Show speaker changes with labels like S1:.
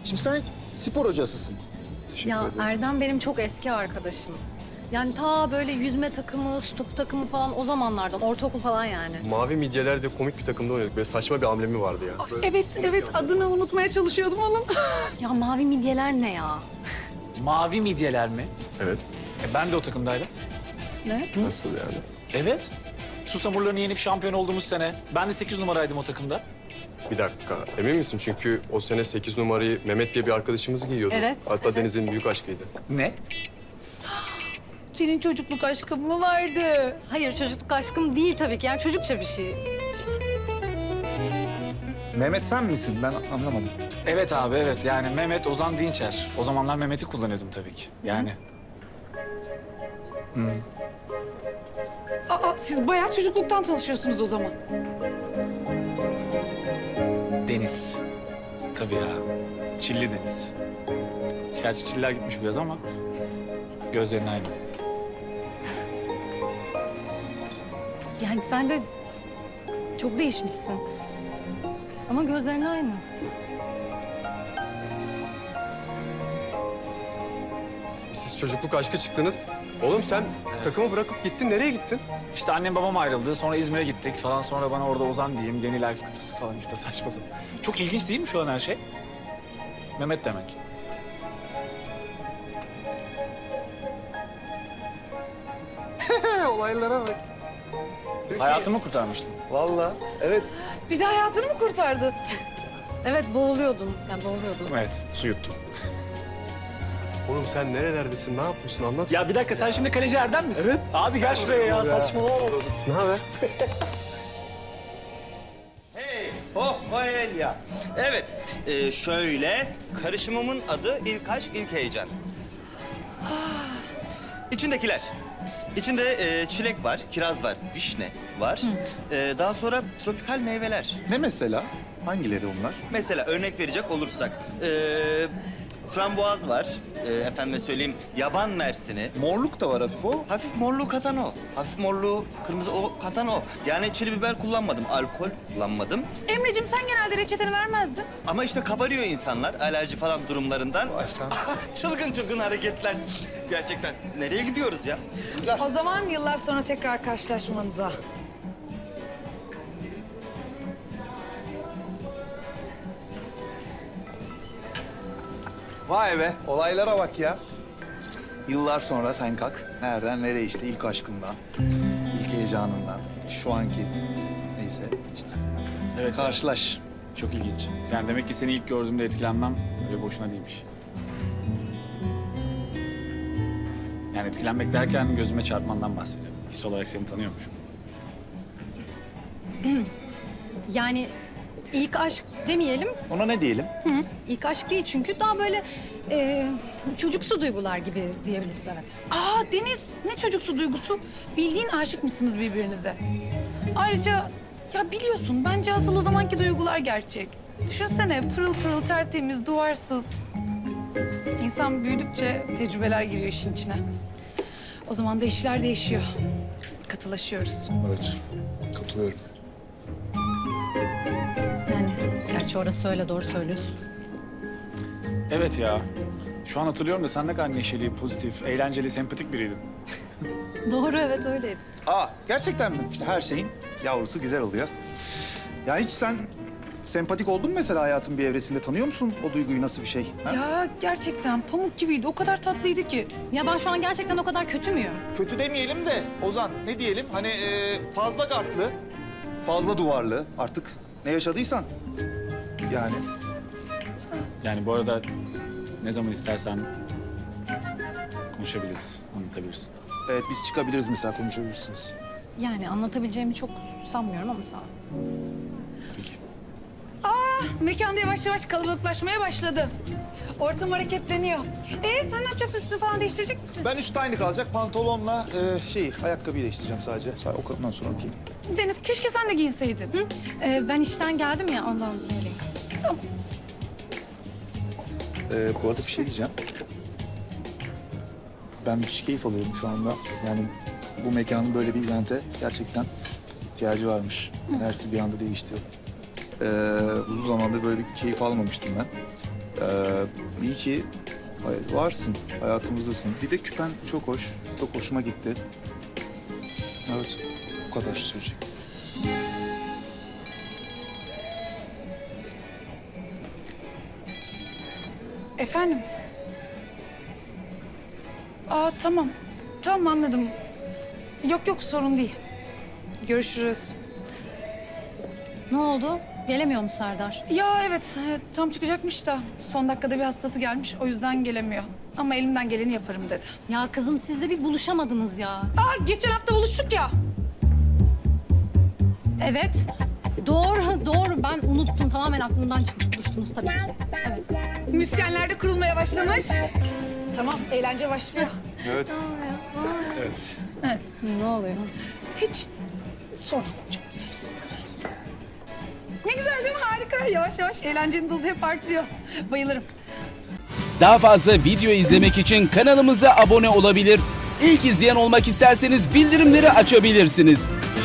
S1: Şimdi sen spor hocasısın.
S2: Ya Erdem benim çok eski arkadaşım. Yani ta böyle yüzme takımı, su topu takımı falan o zamanlardan, ortaokul falan yani.
S3: Mavi Midyeler'de komik bir takımda oynadık. Böyle saçma bir amblemi vardı ya.
S4: Evet, adını unutmaya çalışıyordum onun.
S2: Ya mavi midyeler ne ya?
S5: Mavi midyeler mi?
S3: Evet.
S5: Ben de o takımdaydım.
S2: Ne?
S3: Nasıl yani?
S5: Evet. Susamurlarını yenip şampiyon olduğumuz sene. Ben de 8 numaraydım o takımda.
S3: Bir dakika. Emin misin? Çünkü o sene 8 numarayı Mehmet diye bir arkadaşımız giyiyordu.
S2: Evet,
S3: Hatta
S2: evet.
S3: Deniz'in büyük aşkıydı.
S5: Ne?
S4: Senin çocukluk aşkın mı vardı?
S2: Hayır çocukluk aşkım değil tabii ki. Yani çocukça bir şey. İşte.
S1: Mehmet sen misin? Ben anlamadım.
S5: Evet abi evet. Yani Mehmet Ozan Dinçer. O zamanlar Mehmet'i kullanıyordum tabii ki. Yani.
S4: Aa, siz bayağı çocukluktan tanışıyorsunuz o zaman.
S5: Deniz. Tabii ya. Çilli Deniz. Gerçi çiller gitmiş biraz ama gözlerin aynı.
S2: Yani sen de çok değişmişsin. Ama gözlerin aynı.
S3: Siz çocukluk aşkı çıktınız. Oğlum sen takımı bırakıp gittin. Nereye gittin?
S5: İşte annem babam ayrıldı. Sonra İzmir'e gittik falan. Sonra bana orada Ozan diyeyim. Yeni life kafası falan işte saçma sapan. Çok ilginç değil mi şu an her şey? Mehmet demek.
S1: Olaylara bak.
S5: Hayatımı kurtarmıştım.
S1: Vallahi. Evet.
S4: Bir de hayatını mı kurtardı?
S2: Evet boğuluyordun. Yani boğuluyordun.
S5: Evet, su yuttum.
S3: Oğlum sen nerelerdesin? Ne yapıyorsun? Anlat.
S5: Ya bir dakika sen şimdi kaleci Erdem misin? Evet. Abi gel şuraya ya saçmalama.
S3: Ne haber?
S6: Hey, oh, ya. Evet, şöyle, karışımımın adı ilk aşk, ilk heyecan. İçindekiler. İçinde çilek var, kiraz var, vişne var. Daha sonra tropikal meyveler.
S1: Ne mesela? Hangileri onlar?
S6: Mesela örnek verecek olursak, frambuaz var, efendime söyleyeyim, yaban mersini.
S1: Morluk da var hafif o.
S6: Hafif morluğu katan o. Hafif morluğu, kırmızı o katan o. Yani çili biber kullanmadım, alkol kullanmadım.
S4: Emre'cim sen genelde reçeteni vermezdin.
S6: Ama işte kabarıyor insanlar alerji falan durumlarından.
S1: Baştan.
S6: Çılgın çılgın hareketler. Gerçekten nereye gidiyoruz ya?
S4: O zaman yıllar sonra tekrar karşılaşmanıza.
S1: Vay be, olaylara bak ya. Yıllar sonra sen kalk. Nereden nereye işte ilk aşkından, ilk heyecanından, şu anki neyse işte.
S5: Evet.
S1: Karşılaş.
S5: Çok ilginç. Yani demek ki seni ilk gördüğümde etkilenmem öyle boşuna değilmiş. Yani etkilenmek derken gözüme çarpmandan bahsediyorum. His olarak seni tanıyormuşum.
S2: Yani ilk aşk demeyelim.
S1: Ona ne diyelim?
S2: İlk aşk değil çünkü daha böyle çocuksu duygular gibi diyebiliriz evet.
S4: Aa Deniz, ne çocuksu duygusu? Bildiğin aşık mısınız birbirinize? Ayrıca ya biliyorsun bence asıl o zamanki duygular gerçek. Düşünsene pırıl pırıl tertemiz, duvarsız. İnsan büyüdükçe tecrübeler giriyor işin içine. O zaman da işler değişiyor. Katılaşıyoruz.
S1: Evet, katılıyorum.
S2: Yani gerçi orası öyle doğru söylüyorsun.
S5: Evet ya. Şu an hatırlıyorum da sen ne kadar neşeli, pozitif, eğlenceli, sempatik biriydin.
S2: Doğru evet öyleydi.
S1: Aa, gerçekten mi? İşte her şeyin yavrusu güzel oluyor. Ya hiç sen sempatik oldun mu mesela hayatın bir evresinde? Tanıyor musun o duyguyu, nasıl bir şey? Ha?
S4: Ya gerçekten pamuk gibiydi. O kadar tatlıydı ki.
S2: Ya ben şu an gerçekten o kadar kötü müyüm?
S1: Kötü demeyelim de Ozan, ne diyelim? Hani fazla gardlı, fazla duvarlı, artık ne yaşadıysan. Yani
S5: Yani bu arada ne zaman istersen konuşabiliriz, anlatabilirsin.
S1: evet, biz çıkabiliriz mesela, konuşabilirsiniz.
S2: Yani anlatabileceğimi çok sanmıyorum ama sağ ol.
S5: Peki.
S4: Mekanda yavaş yavaş kalabalıklaşmaya başladı. Ortam hareketleniyor. Sen ne yapacaksın? Üstünü falan değiştirecek misin?
S1: Ben üst aynı kalacak, pantolonla ayakkabıyı değiştireceğim sadece. Ondan sonra okuyayım.
S4: Deniz keşke sen de giyinseydin. Hı?
S2: Ben işten geldim ya ondan öyleyim.
S4: Tamam.
S1: Bu arada bir şey diyeceğim. Ben müthiş keyif alıyorum şu anda. Yani bu mekanın böyle bir evente gerçekten ihtiyacı varmış. Enerjisi bir anda değişti. Uzun zamandır böyle bir keyif almamıştım ben. İyi ki varsın, hayatımızdasın. Bir de küpen çok hoş, çok hoşuma gitti. Evet, bu kadar söyleyecek.
S4: Efendim? Aa tamam. Tamam anladım. Yok sorun değil. Görüşürüz.
S2: Ne oldu? Gelemiyor mu Serdar?
S4: Ya evet tam çıkacakmış da son dakikada bir hastası gelmiş o yüzden gelemiyor. Ama elimden geleni yaparım dedi.
S2: Ya kızım siz de bir buluşamadınız ya.
S4: Aa geçen hafta buluştuk ya.
S2: Evet. Doğru. Ben unuttum. Tamamen aklımdan çıkmış. Buluştunuz tabii ki. Evet.
S4: Müzisyenler de kurulmaya başlamış. Tamam eğlence başlıyor.
S1: Evet.
S5: Evet.
S2: Ne oluyor?
S4: Hiç. Sonra alacağım söz. Ne güzel değil mi? Harika. Yavaş yavaş eğlencenin dozu hep artıyor. Bayılırım.
S7: Daha fazla video izlemek için kanalımıza abone olabilir. İlk izleyen olmak isterseniz bildirimleri açabilirsiniz.